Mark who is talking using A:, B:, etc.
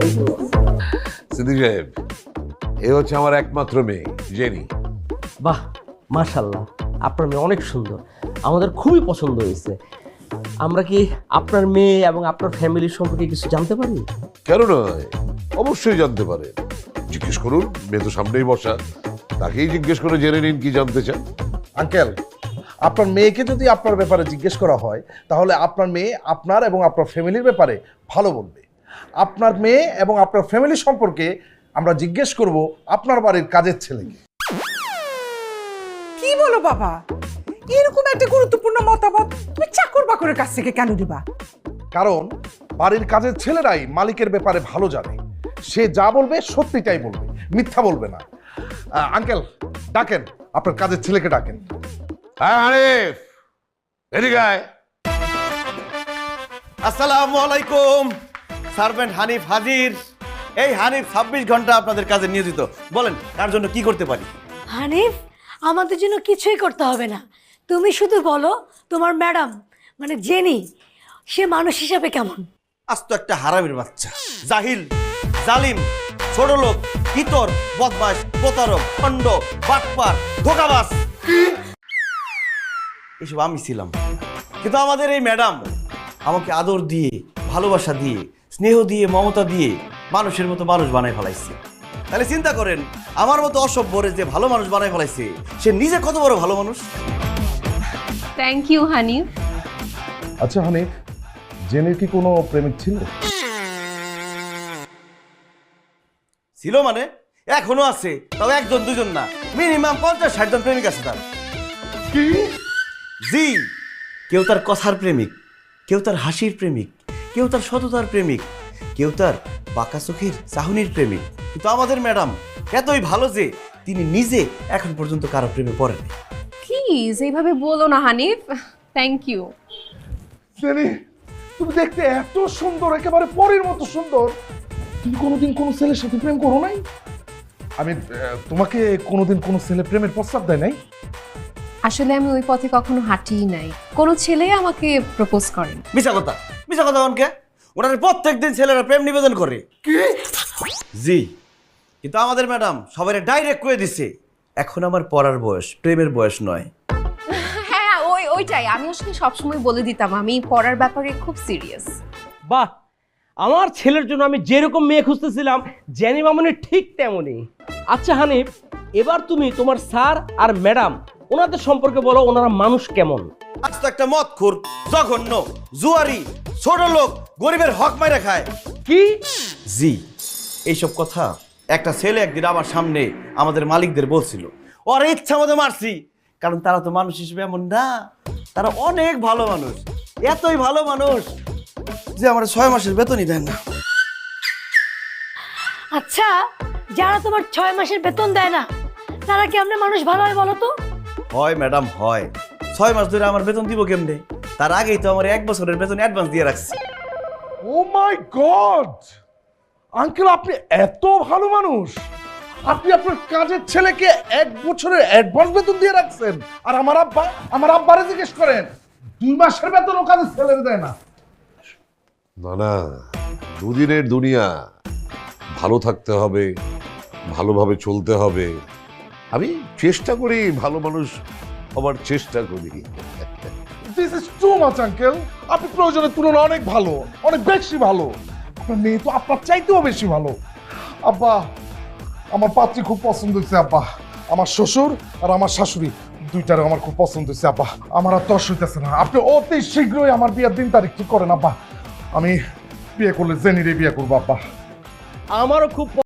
A: সিদ্দিক সাহেব, এ হচ্ছে আমার একমাত্র মেয়ে জেনি।
B: বাহ, মাশাল্লাহ, আপনার মেয়ে অনেক সুন্দর, আমাদের খুবই পছন্দ হয়েছে। আমরা কি আপনার মেয়ে এবং আপনার ফ্যামিলির সম্পর্কে কিছু জানতে পারি?
A: কেন নয়, অবশ্যই জানতে পারেন। জিজ্ঞেস করুন, মেয়ে তো সামনেই বসা, তাকেই জিজ্ঞেস করে জেনে নিন কি জানতে চান।
C: আঙ্কেল, আপনার মেয়েকে যদি আপনার ব্যাপারে জিজ্ঞেস করা হয় তাহলে আপনার মেয়ে আপনার এবং আপনার ফ্যামিলির ব্যাপারে ভালো বলবে। আপনার মেয়ে এবং আপনার ফ্যামিলি সম্পর্কে আমরা জিজ্ঞেস করব আপনার বাড়ির কাজের ছেলেকে।
D: কি বলো বাবা, এরকম একটা গুরুত্বপূর্ণ মতামত তুমি চাকর বাকরের কাছ থেকে কেন দিবা?
C: কারণ বাড়ির কাজের ছেলেরাই মালিকের ব্যাপারে ভালো জানে। সে যা বলবে সত্যিটাই বলবে, মিথ্যা বলবে না। আঙ্কেল, ডাকেন, আপনার কাজের ছেলেকে ডাকেন।
A: হ্যাঁ হানিফ, এদিকে আয়।
E: আসসালামু আলাইকুম। সার্ভেন্ট হানিফ হাজির। এই হানিফ 26 ঘন্টা আপনাদের কাজে নিয়োজিত। বলেন, তার জন্য কি করতে পারি?
F: হানিফ, আমাদের জন্য কিছুই করতে হবে না, তুমি শুধু বলো তোমার ম্যাডাম মানে জেনি, সে মানুষ হিসাবে কেমন?
E: আজ তো একটা হারামির বাচ্চা, জাহিল, জালিম, ছোট লোক, ইতর, বদমাশ, প্রতারক, খণ্ড, বাটপার, ধোঁকাবাজ, এসব আমি ছিলাম। কিন্তু আমাদের এই ম্যাডাম আমাকে আদর দিয়ে, ভালোবাসা দিয়ে, স্নেহ দিয়ে, মমতা দিয়ে মানুষের মতো মানুষ বানাই ফেলাইছে। তাহলে চিন্তা করেন, আমার মতো অসভ্যরে যে ভালো মানুষ বানাই ফেলাইছে, সে নিজে কত বড় ভালো মানুষ।
G: Thank you Hanif.
C: আচ্ছা হানিফ, জেনির কি কোনো প্রেমিক ছিল?
E: ছিল মানে এখনো আছে, তবে একজন দুজন না, মিনিমাম 50-60 জন প্রেমিক আছে তার।
C: কি?
E: জি, কেউ তার কথার প্রেমিক, কেউ তার হাসির প্রেমিক, কেউ তার সততার প্রেমিক, কেউ তার বাঁকা চোখের চাহনির প্রেমিক। কিন্তু আমাদের ম্যাডাম এতই ভালো যে তিনি নিজে এখন পর্যন্ত কারো প্রেমে পড়েন।
G: প্লিজ এইভাবে বলো না হানিফ। Thank you.
C: জেনি, তুমি দেখতে এত সুন্দর, একেবারে পরীর মতো সুন্দর। তুমি কোনোদিন কোনো ছেলের সাথে প্রেম করো নাই? আমি তোমাকে কোনোদিন কোনো ছেলে প্রেমের প্রস্তাব দেয় নাই?
G: আসলে আমি ওই পথে কখনো হাঁটিই নাই, কোনো ছেলে আমাকে প্রপোজ করেন।
E: মিছা কথা, মিছা কথা অনকে। ওনার প্রত্যেকদিন ছেলেরা প্রেম নিবেদন করে।
C: কি?
E: জি, কিন্তু আমাদের ম্যাডাম সবাই ডাইরেক্ট করে দিছে, এখন আমার পড়ার বয়স, প্রেমের বয়স নয়।
G: হ্যাঁ, ওইটাই আমি আসলে সবসময় বলে দিতাম, আমি পড়ার ব্যাপারে খুব সিরিয়াস।
B: বাহ, আমার ছেলের জন্য আমি যেরকম মেয়ে খুঁজতেছিলাম জেনি মামনি ঠিক তেমনই। আচ্ছা হানিফ, এবার তুমি তোমার স্যার আর ম্যাডাম ওনাদের সম্পর্কে বলো, ওনারা মানুষ কেমন?
E: আজ তো একটা মদখোর, জঘন্য, জুয়ারি, ছোট লোক, গরিবের হক মাইরা খায়।
B: কি?
E: জি, এইসব কথা একটা ছেলে একদিন আমার সামনে আমাদের মালিকদের বলছিল। ওর ইচ্ছা মতো মারছি, কারণ তারা তো মানুষ হিসেবে এমন না, তারা অনেক ভালো মানুষ, এতই ভালো মানুষ যে আমার 6 মাসের বেতনই দেয় না।
F: আচ্ছা, যারা তোমার 6 মাসের বেতন দেয় না তারা কি আমরা মানুষ ভালো হয় বলো তো?
E: হয় ম্যাডাম, হয়। 6 মাস ধরে আমার বেতন দিব কেমনে? তার আগেই তো আমার 1 বছরের বেতন অ্যাডভান্স দিয়ে রাখছি।
C: ও মাই গড, আঙ্কেল আপনি এত ভালো মানুষ! আপনি আপনার কাজের ছেলেকে 1 বছরের অ্যাডভান্স বেতন দিয়ে রাখছেন। আর আমার আব্বারে জিজ্ঞেস করেন, 2 মাসের বেতন ও কাজের ছেলের দেয় না।
A: না না, দুদিনের দুনিয়া, ভালো থাকতে হবে, ভালোভাবে চলতে হবে। আমি চেষ্টা করি, ভালো মানুষ হবার চেষ্টা করি।
C: This is too much uncle. আপনি প্রয়োজনের তুলনায় অনেক ভালো, অনেক বেশি ভালো। আপনার মেয়ে তো আপনার চাইতেও বেশি ভালো। আব্বা, আমার পাত্রী খুব পছন্দ হয়েছে আব্বা। আমার শ্বশুর আর আমার শাশুড়ি দুইটারও আমার খুব পছন্দ হয়েছে আব্বা। আমার আর তর্স হইতেছে না, আপনি অতি শীঘ্রই আমার বিয়ের দিন তারিখ ঠিক করেন আব্বা। আমি বিয়ে করলে জেনিরে বিয়ে করবো আব্বা।
B: আমারও খুব